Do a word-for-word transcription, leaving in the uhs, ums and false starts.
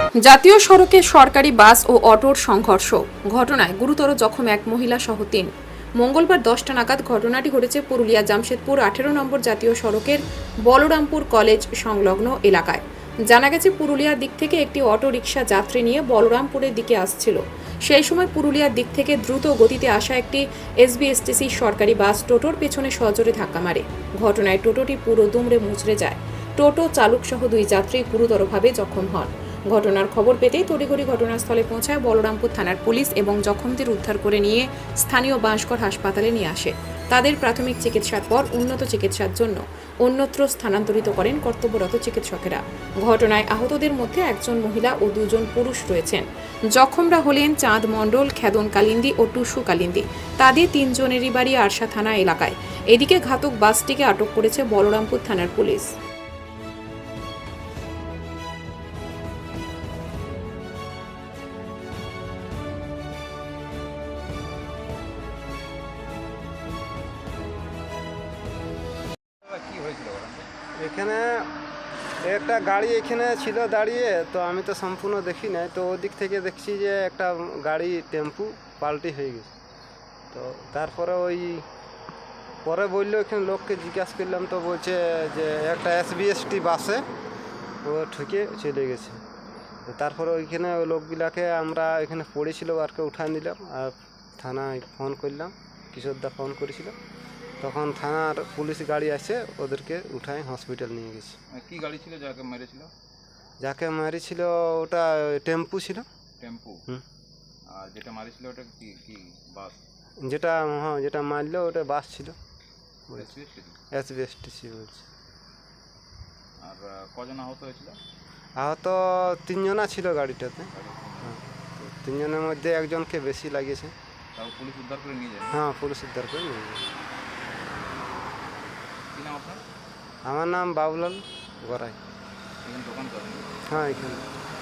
জাতীয় সড়কে সরকারি বাস ও অটোর সংঘর্ষ, ঘটনায় গুরুতর জখম এক মহিলা সহ তিন। মঙ্গলবার দশটা নাগাদ ঘটনাটি ঘটেছে পুরুলিয়া জামশেদপুর আঠেরো নম্বর জাতীয় সড়কের বলরামপুর কলেজ সংলগ্ন এলাকায়। জানা গেছে, পুরুলিয়ার দিক থেকে একটি অটো রিকশা যাত্রী নিয়ে বলরামপুরের দিকে আসছিল। সেই সময় পুরুলিয়ার দিক থেকে দ্রুত গতিতে আসা একটি এসবিএসটিসি সরকারি বাস টোটোর পেছনে সজোরে ধাক্কা মারে। ঘটনায় টোটোটি পুরো দুমড়ে মুচড়ে যায়। টোটো চালক সহ দুই যাত্রী গুরুতরভাবে জখম হন। ঘটনার খবর পেতেই তড়িঘড়ি ঘটনাস্থলে পৌঁছায় বলরামপুর থানার পুলিশ এবং জখমদের উদ্ধার করে নিয়ে স্থানীয় বাঁশগড় হাসপাতালে নিয়ে আসে। তাদের প্রাথমিক চিকিৎসার পর উন্নত চিকিৎসার জন্য অন্যত্র স্থানান্তরিত করেন কর্তব্যরত চিকিৎসকেরা। ঘটনায় আহতদের মধ্যে একজন মহিলা ও দুজন পুরুষ রয়েছেন। জখমরা হলেন চাঁদ মণ্ডল, খেদন কালিন্দি ও টুসু কালিন্দি। তাদের তিনজনেরই বাড়ি আরশা থানা এলাকায়। এদিকে ঘাতক বাসটিকে আটক করেছে বলরামপুর থানার পুলিশ। এখানে একটা গাড়ি এখানে ছিল দাঁড়িয়ে, তো আমি তো সম্পূর্ণ দেখি নাই, তো ওদিক থেকে দেখছি যে একটা গাড়ি টেম্পু পাল্টি হয়ে গেছে। তো তারপরে ওই পরে বললো, এখানে লোককে জিজ্ঞাসা করলাম, তো বলছে যে একটা এসবিএসটি বাসে ও ঠুকে চলে গেছে। তো তারপরে ওইখানে ওই লোকগুলাকে আমরা এখানে পড়েছিল আরকে উঠান দিলাম, আর থানায় ফোন করলাম, কিশোরদা ফোন করেছিল, তখন থানার পুলিশ গাড়ি আসে ওদেরকে উঠায় হসপিটাল নিয়ে গেছে। কি গাড়ি ছিল যাকে মেরেছিল? যাকে মারিছিল ওটা টেম্পু ছিল। টেম্পু? হুম। আর যেটা মারিছিল ওটা কি কি বাস? যেটা হ্যাঁ যেটা মারলো ওটা বাস ছিল, এসবিএসটিসি? এসবিএসটিসি বলছে। আর কজন আহত হয়েছিল? আহত তিনজনা ছিল গাড়িটাতে। হ্যাঁ, তিনজনের মধ্যে একজনকে বেশি লাগিয়েছে। তাও পুলিশ উদ্ধার করে নিয়ে যায়? হ্যাঁ, পুলিশ উদ্ধার করে নিয়ে যায়। কি নাম আপনার? আমার নাম বাবুলাল গড়াই। এখানে দোকান করেন? হ্যাঁ, এখানে।